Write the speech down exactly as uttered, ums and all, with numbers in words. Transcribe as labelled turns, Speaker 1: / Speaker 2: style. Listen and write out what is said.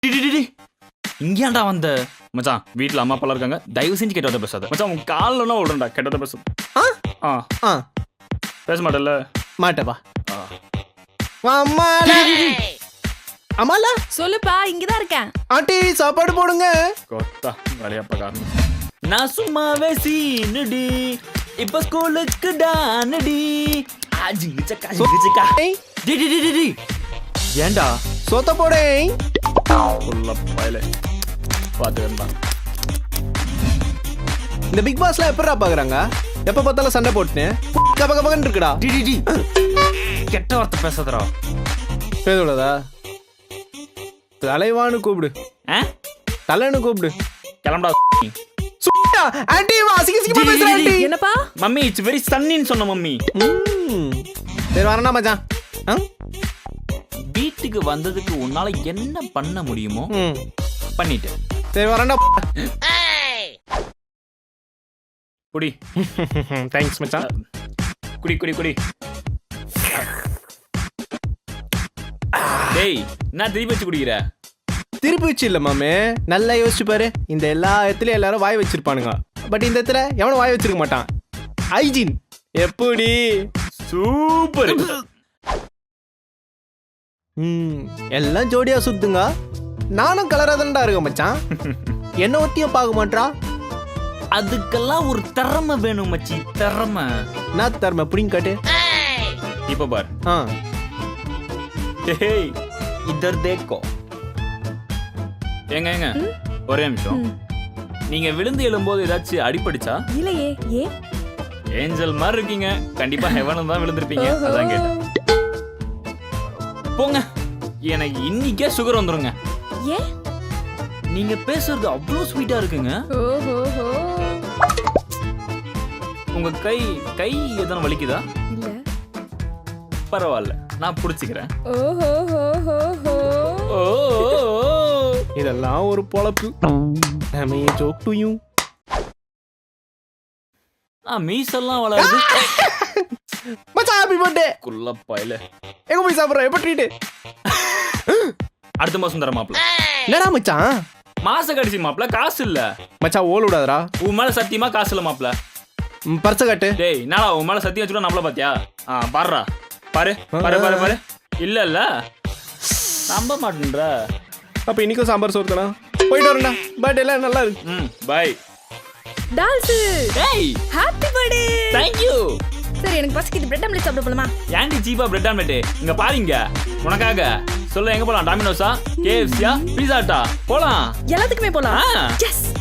Speaker 1: இங்கேண்டா வந்த மச்சான்? வீட்டில் அம்மா அப்பா இருக்காங்க, தயவு செஞ்சு கெட்டதை பேசாத மச்சான். உன் காலில் விடுறா கெட்டதை பேச. ஆ ஆ பேச மாட்டேல்ல?
Speaker 2: மாட்டப்பா. அம்மால அம்மால
Speaker 3: சொல்லுப்பா, இங்கதான் இருக்கேன்.
Speaker 2: ஆண்டி சாப்பாடு போடுங்க.
Speaker 1: கொத்தா வேலையாப்பா காரணம். நான் சும்மாவே சீனுடி, இப்ப ஸ்கூலுக்கு டானடி. ஏண்டா
Speaker 2: சொத்த போடே
Speaker 1: பாத்து.
Speaker 2: இந்த பிக் பாஸ்ல எப்படா பாக்குறாங்க? எப்ப பார்த்தாலும் சண்டை போட்டுன்னு கப கபகன்னு இருக்குடா.
Speaker 1: கெட்ட வார்த்தை பேசாதடா.
Speaker 2: பேசக்கூடாதா? தலைவான்னு கூப்பிடு, தலைன்னு கூப்பிடு.
Speaker 1: கிளம்புடா.
Speaker 2: ஆண்டி அசிங்க அசிங்கமா பேசுற ஆண்டி.
Speaker 3: என்னப்பா?
Speaker 1: மம்மி இட்ஸ் வெரி சன்னின்னு சொன்ன மம்மி.
Speaker 2: சரி வரேன்டா மச்சான்.
Speaker 1: வீட்டுக்கு வந்ததுக்கு உன்னால என்ன பண்ண முடியுமோ பண்ணிட்டு.
Speaker 2: சரி வரேன்டா.
Speaker 1: குடி.
Speaker 2: தேங்க்ஸ் மச்சான்.
Speaker 1: குடி குடி குடி. டேய் நான் திருப்பி வச்சு குடிக்கிற?
Speaker 2: திருப்பி வச்சு இல்ல மாமே, நல்லா யோசிச்சு பாரு. இந்த எல்லா இடத்துலயும் எல்லாரும் வாய் வச்சிருப்பானுங்க, பட் இந்த இடத்துல எவனும் வாய் வச்சிருக்க மாட்டான். ஹைஜீன் எப்படி?
Speaker 1: சூப்பர்.
Speaker 2: ம் எல்லாம் ஜோடியா சுத்துங்க. நானும் கலரா தான்டா இருக்கேன் மச்சான். என்ன ஒத்தியும் பார்க்க மாட்டா.
Speaker 1: அதுக்கெல்லாம் ஒரு திறமை வேணும் மச்சி, திறமை.
Speaker 2: நான் திறமை புடிங்க காட்டு.
Speaker 1: இப்ப பார்.
Speaker 2: ஆ
Speaker 1: டேய் இதர் தேக்கோ. ஏங்க ஏங்க ஒரே நிமிஷம். நீங்க விழுந்து எழும்போது ஏதாச்சும் அடிபடிச்சா?
Speaker 3: இல்லையே. ஏ
Speaker 1: ஏஞ்சல் மாதிரி இருக்கீங்க, கண்டிப்பா ஹெவனும் தான் விழுந்திருப்பீங்க. அதான் கேட்டேன். போங்க, எனக்கு இன்னைக்கே சுகர் வந்துருங்க.
Speaker 3: ஏ
Speaker 1: நீங்க பேசுறது அவ்வளவு ஸ்வீட்டா இருக்குங்க.
Speaker 3: ஓஹோ.
Speaker 1: உங்க கை கை எதனா வலிக்குதா?
Speaker 3: இல்ல.
Speaker 1: பரவாயில்ல, நான் புடிச்சுக்கிறேன்.
Speaker 3: ஓஹோ.
Speaker 1: ஓ
Speaker 2: இதெல்லாம் ஒரு பொழப்பு. I joke to you.
Speaker 1: ஆ மீசெல்லாம் வளருது.
Speaker 2: மச்சான் ஹேப்பி பர்த்டே.
Speaker 1: குள்ளப்பாயில
Speaker 2: எங்க போய் சாப்பிடுற? எப்ப ட்ரீட்?
Speaker 1: அடுத்த மாசம் தர மாப்ள.
Speaker 2: என்னடா மச்சான்?
Speaker 1: மாச கடைசி மாப்ள, காசு இல்ல.
Speaker 2: மச்சான் ஓல் விடாதடா.
Speaker 1: உன் மேல சத்தியமா காசு இல்ல மாப்ள.
Speaker 2: பர்ஸ காட்டு.
Speaker 1: டேய் என்னடா உன் மேல சத்தியம் வச்சுட்டு நம்மள பாத்தியா? ஆ பாருடா, பாரு பாரு பாரு பாரு. இல்ல இல்ல நம்ப மாட்டேன்றா.
Speaker 2: அப்ப இன்னைக்கும் சாம்பார் சோறு தானா? போயிட்டு வரேன்டா. பர்த்டே எல்லாம் நல்லா இருக்கு.
Speaker 1: ம் பை.
Speaker 3: டால்ஸ்.
Speaker 1: டேய்
Speaker 3: ஹேப்பி பர்த்டே.
Speaker 1: Thank you.
Speaker 3: சரி எனக்கு பசிக்குது, பிரெட் ஆம்லெட் சாப்பிட போலாமா?
Speaker 1: ஏன்டி சீப்பா பிரெட் ஆம்லெட்? இங்க பாருங்க உனக்காக. சொல்ல எங்க போலாம்? டாமினோஸா, கேஎஃப்சியா, பீஸா ஹட்டா? போலாம்.
Speaker 3: எல்லாத்துக்குமே போலாம்.
Speaker 1: ஆ.
Speaker 3: எஸ்.